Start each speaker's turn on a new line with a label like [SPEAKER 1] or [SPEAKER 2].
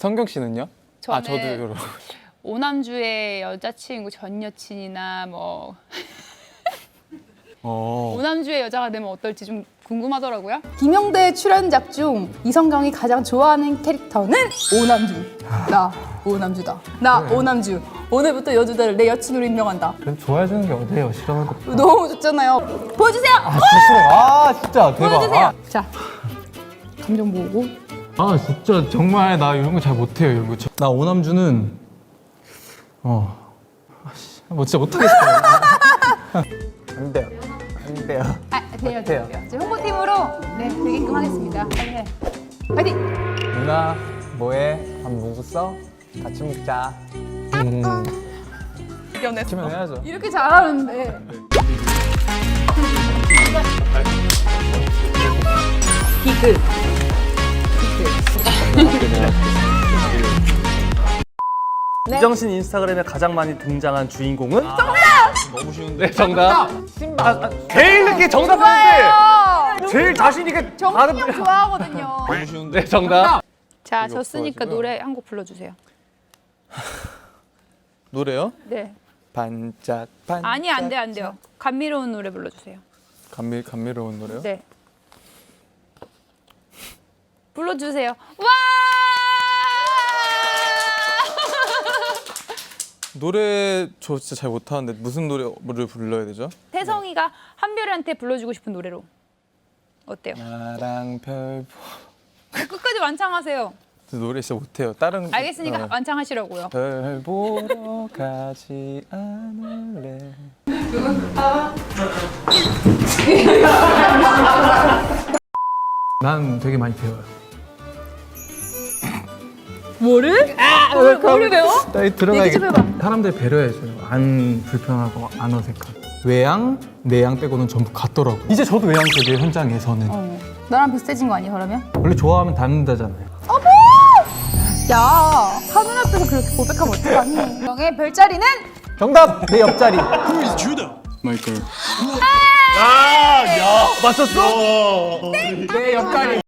[SPEAKER 1] 성경 씨는요?
[SPEAKER 2] 저는
[SPEAKER 1] 저도요.
[SPEAKER 2] 오남주의 여자친구 전 여친이나 뭐
[SPEAKER 1] 어.
[SPEAKER 2] 오남주의 여자가 되면 어떨지 좀 궁금하더라고요.
[SPEAKER 3] 김영대 출연작 중 이성경이 가장 좋아하는 캐릭터는 오남주. 나 오남주다. 나 오남주. 오늘부터 여주다를 내 여친으로 임명한다.
[SPEAKER 4] 그럼 좋아해주는 게 어때요? 싫어하는 거.
[SPEAKER 3] 너무 좋잖아요. 보여주세요.
[SPEAKER 4] 진짜 싫어요. 아 진짜 대박.
[SPEAKER 3] 보여주세요. 자, 감정 모으고.
[SPEAKER 4] 아 진짜 정말 나 이런 거 잘 못해요. 이런 거. 나 오남주는 뭐 진짜 못하겠어요.
[SPEAKER 1] 안 돼요. 안 돼요.
[SPEAKER 3] 돼요, 돼요. 이제 홍보팀으로 되게끔 하겠습니다. 네. 파이팅!
[SPEAKER 1] 누나 뭐해? 밥 먹었어? 같이 먹자.
[SPEAKER 3] 이겨냈어.
[SPEAKER 1] 치면 해야죠.
[SPEAKER 3] 이렇게 잘하는데. 비글.
[SPEAKER 5] 이정신 인스타그램에 가장 많이 등장한 주인공은?
[SPEAKER 1] 너무 쉬운데.
[SPEAKER 5] 네, 정답. 제일 늦게 정답했는데 제일 자신 있게
[SPEAKER 3] 정신이 형 좋아하거든요.
[SPEAKER 1] 너무 쉬운데.
[SPEAKER 5] 네, 정답.
[SPEAKER 2] 자,
[SPEAKER 1] 이거
[SPEAKER 2] 졌으니까
[SPEAKER 1] 없어가지고요.
[SPEAKER 2] 노래 한 곡 불러주세요.
[SPEAKER 1] 노래요?
[SPEAKER 2] 네.
[SPEAKER 1] 반짝 반짝.
[SPEAKER 2] 아니 안 돼, 안 돼요. 감미로운 노래 불러주세요.
[SPEAKER 1] 감미로운 노래요?
[SPEAKER 2] 네. 불러주세요. 와!
[SPEAKER 1] 노래 저 진짜 잘 못하는데 무슨 노래를 불러야 되죠?
[SPEAKER 2] 태성이가 한별이한테 불러주고 싶은 노래로. 어때요?
[SPEAKER 1] 나랑 별
[SPEAKER 2] 끝까지 완창하세요.
[SPEAKER 1] 노래 진짜 못해요. 다른
[SPEAKER 2] 알겠으니까 완창하시라고요.
[SPEAKER 1] 별 보러 가지 않을래.
[SPEAKER 4] 난 되게 많이 배워요.
[SPEAKER 2] 뭐를? 뭐를 배워?
[SPEAKER 4] 나
[SPEAKER 2] 얘기 좀
[SPEAKER 4] 들어가야겠다.
[SPEAKER 2] 해봐.
[SPEAKER 4] 사람들 배려해줘요. 안 불편하고 안 어색하고. 외양, 내양 빼고는 전부 같더라고. 이제 저도 외양적이에요 현장에서는.
[SPEAKER 3] 나랑 비슷해진 거 아니야, 그러면?
[SPEAKER 4] 원래 좋아하면 닮는다잖아요.
[SPEAKER 3] 야, 카메라 앞에서 그렇게 고백하면 어떡하니? 명의 별자리는?
[SPEAKER 4] 정답! 내 옆자리.
[SPEAKER 1] 마이클.
[SPEAKER 5] 야, 맞췄어?
[SPEAKER 4] 내 옆자리.